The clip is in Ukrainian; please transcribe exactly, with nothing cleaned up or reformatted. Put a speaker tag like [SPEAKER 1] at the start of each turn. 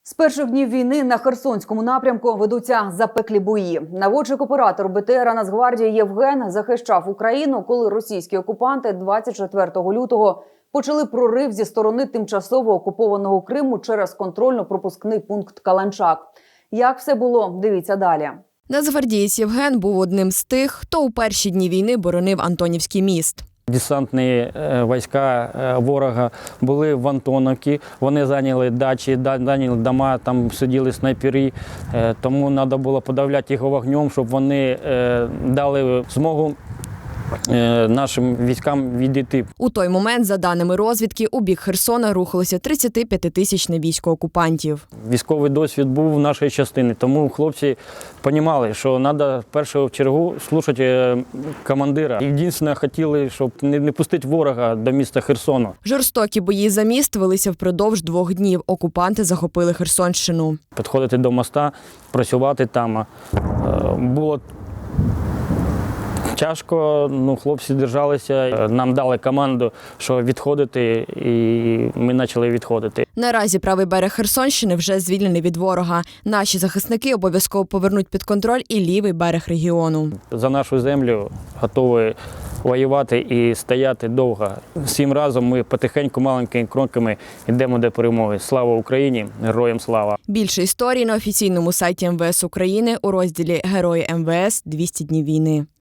[SPEAKER 1] З перших днів війни на Херсонському напрямку ведуться запеклі бої. Наводчик-оператор Бе Те Ера Нацгвардії Євген захищав Україну, коли російські окупанти двадцять четвертого лютого почали прорив зі сторони тимчасово окупованого Криму через контрольно-пропускний пункт Каланчак. Як все було, дивіться далі.
[SPEAKER 2] Нацгвардієць Євген був одним з тих, хто у перші дні війни боронив Антонівський міст.
[SPEAKER 3] Десантні війська ворога були в Антоновці, вони зайняли дачі, зайняли дома, там сиділи снайпери, тому треба було подавляти їх вогнем, щоб вони дали змогу нашим військам відійти.
[SPEAKER 2] У той момент, за даними розвідки, у бік Херсона рухалося тридцятип'ятитисячне військо окупантів.
[SPEAKER 3] Військовий досвід був в нашій частині, тому хлопці розуміли, що треба в першу чергу слухати командира. Єдине, хотіли, щоб не пустити ворога до міста Херсону.
[SPEAKER 2] Жорстокі бої за міст велися впродовж двох днів. Окупанти захопили Херсонщину.
[SPEAKER 3] Підходити до моста, працювати там було тяжко, ну, хлопці держалися, нам дали команду, що відходити, і ми почали відходити.
[SPEAKER 2] Наразі правий берег Херсонщини вже звільнений від ворога. Наші захисники обов'язково повернуть під контроль і лівий берег регіону.
[SPEAKER 3] За нашу землю готові воювати і стояти довго. Всім разом ми потихеньку, маленькими кроками йдемо до перемоги. Слава Україні! Героям слава!
[SPEAKER 2] Більше історій на офіційному сайті Ем Ве Ес України у розділі «Герої Ем Ве Ес. двісті днів війни».